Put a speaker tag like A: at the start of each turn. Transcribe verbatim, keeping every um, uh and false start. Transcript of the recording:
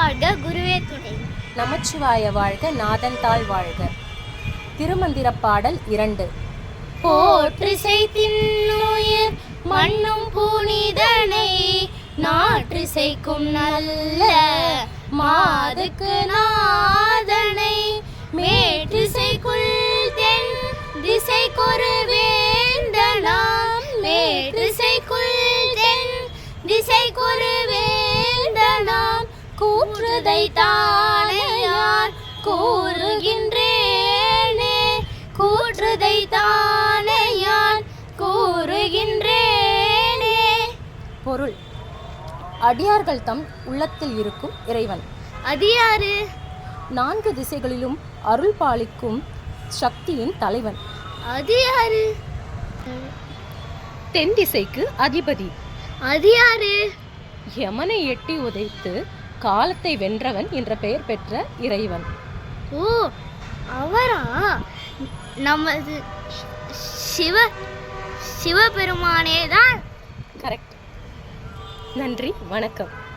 A: வாழ்க குருவே துணை.
B: நமச்சிவாய வாழ்க நாதன் தாள் வாழ்க. திருமந்திர பாடல் இரண்டு.
A: போற்றிசை தின்னுயிர் மண்ணும் புனிதனை நாற்றிசைக்கும் நல்ல மாதுக்கு நாதனை மேற்றிசைக்குள் தென் திசைக்கொரு வேந்தனாம் மேற்றிசைக்குள் தென் திசைக்கொரு வேந்தனாம் கூற்றுதை தானையான் கூறுகின்றேனே கூற்றுதை தானையான் கூறுகின்றேனே.
B: பொருள்: அடியார்கள் தம் உள்ளத்தில் இருக்கும் இறைவன்.
A: அது யாரு?
B: நான்கு திசைகளிலும் அருள் பாலிக்கும் சக்தியின் தலைவன்.
A: அது யாரு?
B: தென் திசைக்கு அதிபதி.
A: அது யாரு?
B: யமனை எட்டி உதைத்து காலத்தை வென்றவன் என்ற பெயர் பெற்ற இறைவன்.
A: ஓ, அவரா? நமது சிவ சிவபெருமானே தான்.
B: கரெக்ட். நன்றி, வணக்கம்.